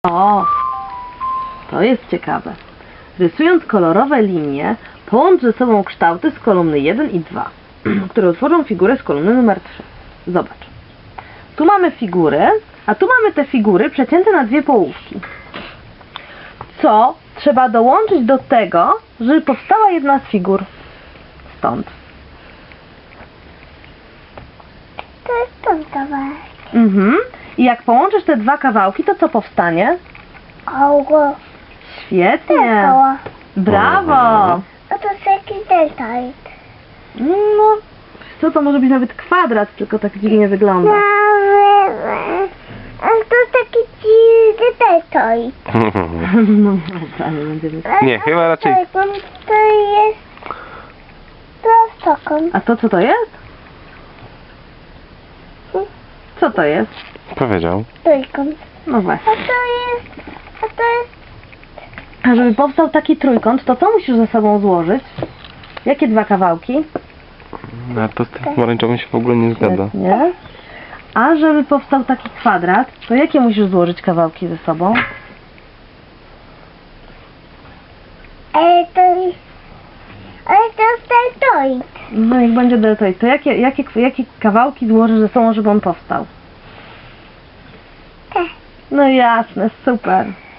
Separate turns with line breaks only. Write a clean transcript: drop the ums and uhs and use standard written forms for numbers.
O, to jest ciekawe. Rysując kolorowe linie, połącz ze sobą kształty z kolumny 1 i 2, które utworzą figurę z kolumny numer 3. Zobacz. Tu mamy figury, a tu mamy te figury przecięte na dwie połówki. Co trzeba dołączyć do tego, żeby powstała jedna z figur? Stąd.
To jest ten kawałek.
I jak połączysz te dwa kawałki, to co powstanie?
Koło.
Świetnie!
Koło.
Brawo!
No to jest jakiś deltoid.
No, co to może być nawet kwadrat, tylko tak dziwnie wygląda.
A to jest taki dziwny deltoid.
No, dobra, nie będziemy...
Nie, chyba raczej-
To jest prostokąt.
A to co to jest? Co to jest?
Powiedział.
Trójkąt.
No właśnie.
A to jest
A żeby powstał taki trójkąt, to co musisz ze sobą złożyć? Jakie dwa kawałki?
No, to z tym pomarańczowym się w ogóle nie zgadza.
Nie? A żeby powstał taki kwadrat, to jakie musisz złożyć kawałki ze sobą?
Ale to jest deltoid.
No jak będzie deltoid, to jakie kawałki złożysz ze sobą, żeby on powstał?
Te.
No jasne, super.